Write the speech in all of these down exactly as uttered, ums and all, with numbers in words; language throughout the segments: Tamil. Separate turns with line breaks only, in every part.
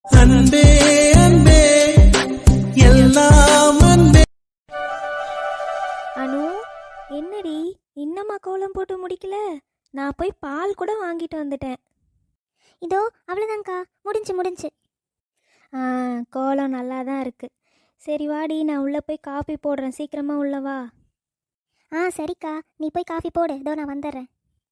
அன்பே அன்பே எல்லாம் அன்பே.
அனு, என்னடி இன்னமா கோலம் போட்டு முடிக்கல? நான் போய் பால் கூட வாங்கிட்டு வந்துட்டேன்.
இதோ அவ்வளோதாங்க்கா, முடிஞ்சு முடிஞ்சு.
ஆ, கோலம் நல்லா தான் இருக்கு. சரி வாடி, நான் உள்ளே போய் காஃபி போடுறேன், சீக்கிரமாக உள்ள வா.
ஆ சரிக்கா, நீ போய் காஃபி போடு, இதோ நான் வந்துடுறேன்.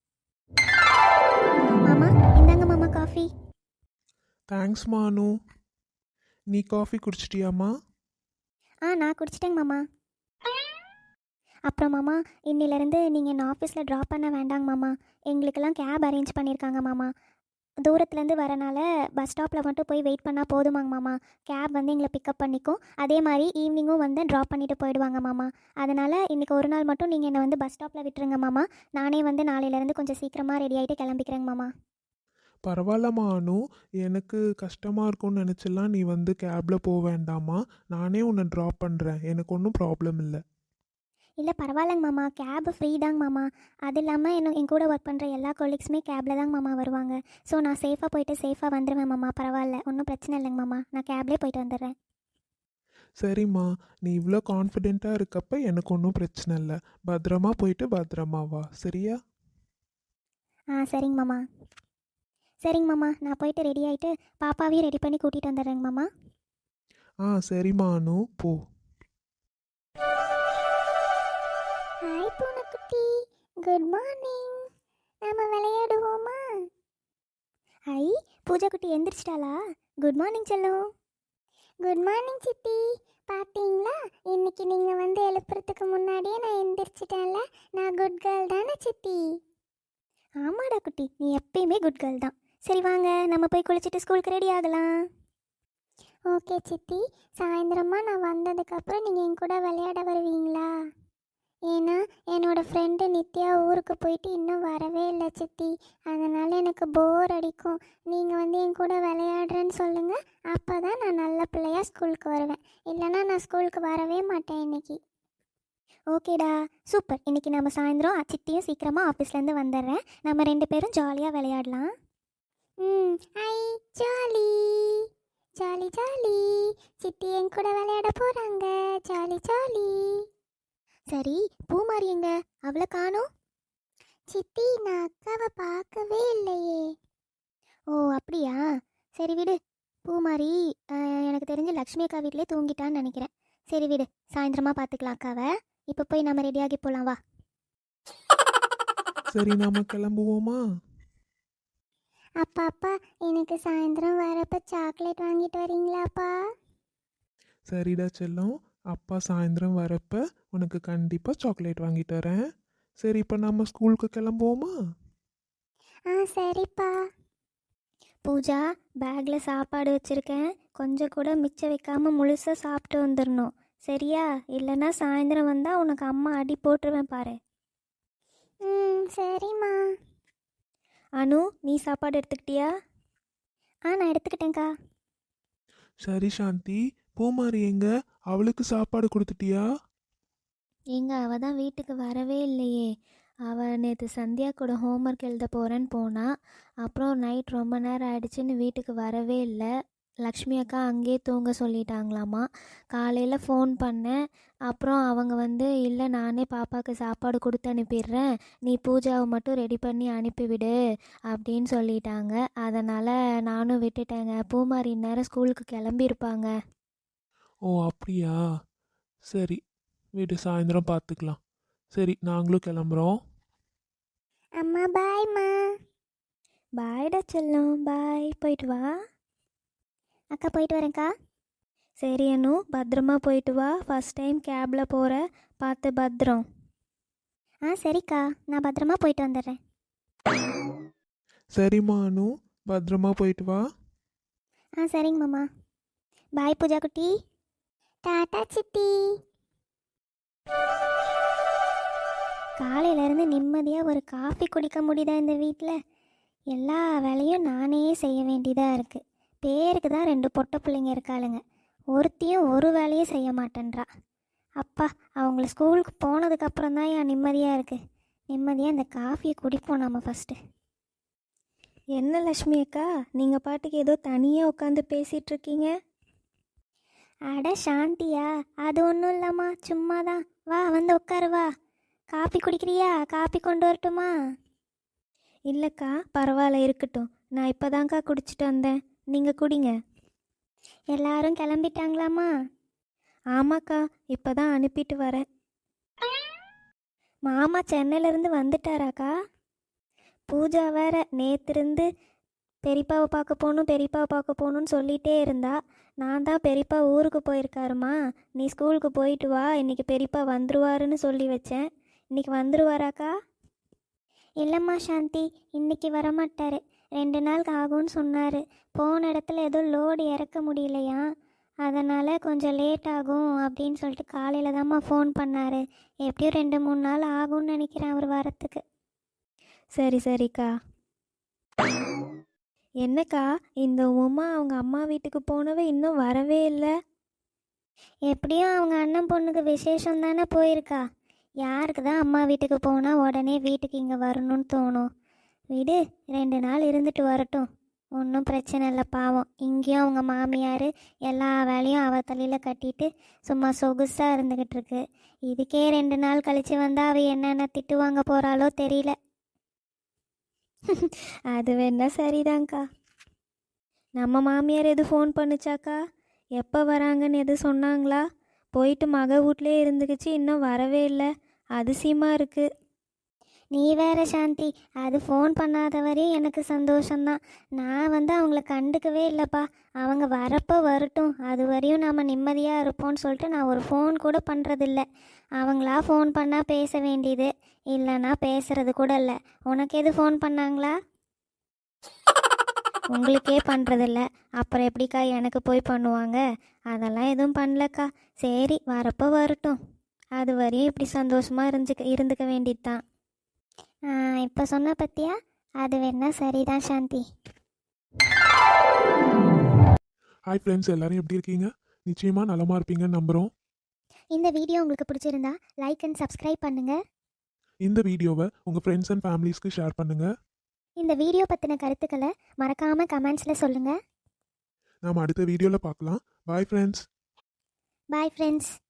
மாமா இந்தாங்க மாமா காஃபி.
தேங்க்ஸ் மானு. நீ காஃபி குடிச்சிட்டியாம்மா?
ஆ நான் குடிச்சிட்டேங்க மாமா. அப்புறம் மாமா, இன்னிலேருந்து நீங்கள் என்ன ஆஃபீஸில் ட்ராப் பண்ண வேண்டாங்க மாமா. எங்களுக்கெல்லாம் கேப் அரேஞ்ச் பண்ணியிருக்காங்க மாமா. தூரத்துலேருந்து வரனால பஸ் ஸ்டாப்பில் மட்டும் போய் வெயிட் பண்ணால் போதுமாங்க மாமா. கேப் வந்து எங்களை பிக்கப் பண்ணிக்கும். அதே மாதிரி ஈவினிங்கும் வந்து ட்ராப் பண்ணிவிட்டு போயிடுவாங்க மாமா. அதனால் இன்றைக்கி ஒரு நாள் மட்டும் நீங்கள் என்னை வந்து பஸ் ஸ்டாப்பில் விட்டுருங்க மாமா. நானே வந்து நாளையிலேருந்து கொஞ்சம் சீக்கிரமாக ரெடி ஆகிட்டு கிளம்பிக்கிறேங்க மாமா.
பரவாயில்ல மானு, எனக்கு கஷ்டமாக இருக்கும்னு நினச்சலாம். நீ வந்து கேபில் போக வேண்டாமா, நானே உன்னை ட்ராப் பண்ணுறேன், எனக்கு ஒன்றும் ப்ராப்ளம் இல்லை.
இல்லை பரவாயில்லைங்க மாமா, கேபு ஃப்ரீ தாங்க மாமா. அது இல்லாமல் என்ன என் கூட ஒர்க் பண்ணுற எல்லா கொலீக்ஸுமே கேபில் தாங்க மாமா வருவாங்க. ஸோ நான் சேஃபாக போயிட்டு சேஃபாக வந்துடுவேன் மாமா. பரவாயில்ல, ஒன்றும் பிரச்சனை இல்லைங்க மாமா. நான் கேப்லேயே போயிட்டு வந்துடுறேன்.
சரிம்மா, நீ இவ்வளோ கான்ஃபிடெண்ட்டாக இருக்கப்ப எனக்கு ஒன்றும் பிரச்சனை இல்லை. பத்திரமா போயிட்டு பத்திரமா வா, சரியா?
ஆ சரிங்க மாமா. சரிங்க மாமா, நான் போயிட்டு ரெடி ஆகிட்டு பாப்பாவையும் ரெடி பண்ணி கூட்டிகிட்டு வந்துடுறேங்க மாமா.
ஆ சரி மானு, போ.
ஹாய் பூனைக்குட்டி, குட் மார்னிங். நம்ம விளையாடுவோமா? ஹை, பூஜா குட்டி எந்திரிச்சிட்டாளா? குட் மார்னிங் செல்லம். குட் மார்னிங் சித்தி. பார்த்தீங்களா, இன்னைக்கு நீங்கள் வந்து எழுப்புறதுக்கு முன்னாடியே நான் எந்திரிச்சிட்டேன்ல. நான் குட் கேர்ள் தானே சித்தி? ஆமாடா குட்டி, நீ எப்பயுமே குட் கேர்ள் தான். சரி வாங்க, நம்ம போய் குளிச்சுட்டு ஸ்கூலுக்கு ரெடி ஆகலாம். ஓகே சித்தி. சாயந்தரமா நான் வந்ததுக்கப்புறம் நீங்கள் என் கூட விளையாட வருவீங்களா? ஏன்னா என்னோடய ஃப்ரெண்டு நித்யா ஊருக்கு போயிட்டு இன்னும் வரவே இல்லை சித்தி. அதனால் எனக்கு போர் அடிக்கும். நீங்கள் வந்து என் கூட விளையாடுறேன்னு சொல்லுங்கள், அப்போ தான் நான் நல்ல பிள்ளையாக ஸ்கூலுக்கு வருவேன். இல்லைனா நான் ஸ்கூலுக்கு வரவே மாட்டேன் இன்னைக்கு. ஓகேடா, சூப்பர். இன்றைக்கி நம்ம சாயந்தரம் சித்தியும் சீக்கிரமாக ஆஃபீஸ்லேருந்து வந்துடுறேன். நம்ம ரெண்டு பேரும் ஜாலியாக விளையாடலாம். ம் ஐ ஜாலி ஜாலி ஜாலி. சித்தி என் கூட விளையாட போகிறாங்க. Jolly jolly. சரி, பூமாரி எங்க? அவளை காணோம். சித்தி, நான் அக்காவை பார்க்கவே இல்லையே. ஓ அப்படியா, சரி விடு. பூமாரி எனக்கு தெரிஞ்சு லக்ஷ்மி அக்கா வீட்டிலே தூங்கிட்டான்னு நினைக்கிறேன். சரி விடு, சாயந்தரமாக பார்த்துக்கலாம் அக்காவை. இப்போ போய் நம்ம ரெடியாகி போகலாம், வா.
சரி, நாம கிளம்புவோமா?
அப்பா அப்பா, எனக்கு சாயந்தரம் வரப்ப சாக்லேட் வாங்கிட்டு வரீங்களாப்பா?
சரிடா செல்லம், அப்பா சாயந்தரம் வரப்ப உனக்கு கண்டிப்பாக சாக்லேட் வாங்கிட்டு வரேன். சரி, இப்போ நம்ம ஸ்கூலுக்கு கிளம்புவோமா?
ஆ சரிப்பா.
பூஜா, பேக்கில் சாப்பாடு வச்சுருக்கேன், கொஞ்சம் கூட மிச்சம் வைக்காமல் முழுசாக சாப்பிட்டு வந்துடணும், சரியா? இல்லைன்னா சாயந்தரம் வந்தால் உனக்கு அம்மா அடி போட்டுருவேன் பாரு.
ம் சரிம்மா.
அனு, நீ சாப்பாடு எடுத்துக்கிட்டியா?
ஆ நான் எடுத்துக்கிட்டேங்க்கா.
சரி சாந்தி, பூமாரி எங்க? அவளுக்கு சாப்பாடு கொடுத்துட்டியா?
எங்க அவள் தான் வீட்டுக்கு வரவே இல்லையே. அவள் நேற்று சந்தியா கூட ஹோம்ஒர்க் எழுத போகிறேன்னு போனா. அப்புறம் நைட் ரொம்ப நேரம் ஆயிடுச்சுன்னு வீட்டுக்கு வரவே இல்லை. லக்ஷ்மி அக்கா அங்கேயே தூங்க சொல்லிட்டாங்களாமா. காலையில் ஃபோன் பண்ணேன். அப்புறம் அவங்க வந்து, இல்லை நானே பாப்பாவுக்கு சாப்பாடு கொடுத்து அனுப்பிடுறேன், நீ பூஜாவை மட்டும் ரெடி பண்ணி அனுப்பிவிடு அப்படின்னு சொல்லிட்டாங்க. அதனால் நானும் விட்டுட்டேங்க. பூமாரி இந்நேரம் ஸ்கூலுக்கு கிளம்பியிருப்பாங்க.
ஓ அப்படியா, சரி வீடு சாயந்தரம் பார்த்துக்கலாம். சரி, நாங்களும் கிளம்புறோம்.
அம்மா பாய்மா.
பாய்டா செல்லம், பாய். போயிட்டு வா.
அக்கா போயிட்டு வரேன்க்கா.
சரி அனு, பத்திரமா போயிட்டு வா. ஃபஸ்ட் டைம் கேபில் போகிற, பார்த்து பத்திரம்.
ஆ சரிக்கா, நான் பத்திரமா போயிட்டு வந்துடுறேன்.
சரிம்மா அனு, பத்திரமா போயிட்டு வா.
ஆ சரிங்க மாமா. பாய் பூஜா குட்டி. டாட்டா சித்தி. காலையிலேருந்து நிம்மதியாக ஒரு காஃபி குடிக்க முடியுதா இந்த வீட்டில்? எல்லா வேலையும் நானே செய்ய வேண்டியதாக இருக்குது. பேருக்கு தான் ரெண்டு பொட்டை பிள்ளைங்க இருக்காளுங்க, ஒருத்தியும் ஒரு வேலையும் செய்ய மாட்டேன்றா. அப்பா, அவங்கள ஸ்கூலுக்கு போனதுக்கப்புறம் தான் என் நிம்மதியாக இருக்குது. நிம்மதியாக இந்த காஃபியை குடிப்போம் நம்ம ஃபஸ்ட்டு.
என்ன லக்ஷ்மி அக்கா, நீங்கள் பாட்டுக்கு ஏதோ தனியாக உட்காந்து பேசிகிட்டு இருக்கீங்க?
அட சாந்தியா, அது ஒன்றும் இல்லைம்மா, சும்மா தான். வா வந்து உட்காரு வா. காப்பி குடிக்கிறியா? காப்பி கொண்டு வரட்டுமா?
இல்லைக்கா, பரவாயில்ல இருக்கட்டும். நான் இப்போ தான்க்கா குடிச்சிட்டு வந்தேன். நீங்கள் குடிங்க.
எல்லாரும் கிளம்பிட்டாங்களாம்மா?
ஆமாக்கா, இப்போ தான் அனுப்பிட்டு வரேன்.
மாமா சென்னையிலேருந்து வந்துட்டாராக்கா?
பூஜா வேற நேத்திருந்து பெரியப்பாவை பார்க்க போகணும் பெரியப்பாவை பார்க்க போகணுன்னு சொல்லிகிட்டே இருந்தா. நான் தான் பெரியப்பா ஊருக்கு போயிருக்காருமா, நீ ஸ்கூலுக்கு போயிட்டு வா, இன்றைக்கி பெரியப்பா வந்துருவாருன்னு சொல்லி வச்சேன். இன்றைக்கி வந்துருவாராக்கா?
இல்லைம்மா சாந்தி, இன்னைக்கு வரமாட்டார். ரெண்டு நாள் ஆகும்னு சொன்னார். போன இடத்துல ஏதோ லோடு இறக்க முடியலையா, அதனால் கொஞ்சம் லேட் ஆகும் அப்படின்னு சொல்லிட்டு காலையில் தாம்மா ஃபோன் பண்ணார். எப்படியும் ரெண்டு மூணு நாள் ஆகும்னு நினைக்கிறேன் அவர் வரத்துக்கு.
சரி சரிக்கா. என்னக்கா, இந்த உமா அவங்க அம்மா வீட்டுக்கு போனவே இன்னும் வரவே இல்லை?
எப்படியும் அவங்க அண்ணன் பொண்ணுக்கு விசேஷம் தானே போயிருக்கா. யாருக்கு தான் அம்மா வீட்டுக்கு போனால் உடனே வீட்டுக்கு இங்கே வரணும்னு தோணும். விடு, ரெண்டு நாள் இருந்துட்டு வரட்டும், ஒன்றும் பிரச்சனை இல்லை. பாவம், இங்கேயும் அவங்க மாமியார் எல்லா வேலையும் அவ தலையில் கட்டிட்டு சும்மா சொகுசாக இருந்துக்கிட்டு இருக்கு. இதுக்கே ரெண்டு நாள் கழித்து வந்தால் அவள் என்னென்ன திட்டு வாங்க போகிறாளோ தெரியல.
அது வேணா சரிதாங்க்கா. நம்ம மாமியார் எது ஃபோன் பண்ணுச்சாக்கா? எப்போ வராங்கன்னு எது சொன்னாங்களா? போயிட்டு மக வீட்லேயே இருந்துக்கிச்சு, இன்னும் வரவே இல்லை. அதிசயமாக இருக்குது.
நீ வேற சாந்தி, அது ஃபோன் பண்ணாத வரையும் எனக்கு சந்தோஷம்தான். நான் வந்து அவங்கள கண்டுக்கவே இல்லைப்பா. அவங்க வரப்போ வரட்டும், அது வரையும் நாம் நிம்மதியாக இருப்போம்னு சொல்லிட்டு நான் ஒரு ஃபோன் கூட பண்ணுறதில்ல. அவங்களா ஃபோன் பண்ணால் பேச வேண்டியது, இல்லைன்னா பேசுறது கூட இல்லை. உனக்கு எது ஃபோன் பண்ணாங்களா?
உங்களுக்கே பண்ணுறதில்ல, அப்புறம் எப்படிக்கா எனக்கு போய் பண்ணுவாங்க? அதெல்லாம் எதுவும் பண்ணலக்கா. சரி, வரப்போ வரட்டும், அது வரையும் இப்படி சந்தோஷமாக இருந்துக்க இருந்துக்க வேண்டியது தான்.
இப்போ சொன்ன பத்தியா, அது வேணா சரிதான் சாந்தி.
ஹாய் ஃப்ரெண்ட்ஸ், எல்லாரும் எப்படி இருக்கீங்க? நிச்சயமாக நலமாக இருப்பீங்கன்னு நம்புகிறோம்.
இந்த வீடியோ உங்களுக்கு பிடிச்சிருந்தா லைக் அண்ட் சப்ஸ்கிரைப் பண்ணுங்கள்.
இந்த வீடியோவை உங்கள் ஃப்ரெண்ட்ஸ் அண்ட் ஃபேமிலிஸ்க்கு ஷேர் பண்ணுங்கள்.
இந்த வீடியோ பற்றின கருத்துக்களை மறக்காமல் கமெண்ட்ஸில் சொல்லுங்கள்.
நாம் அடுத்த வீடியோவில் பார்க்கலாம். Bye friends.
Bye friends.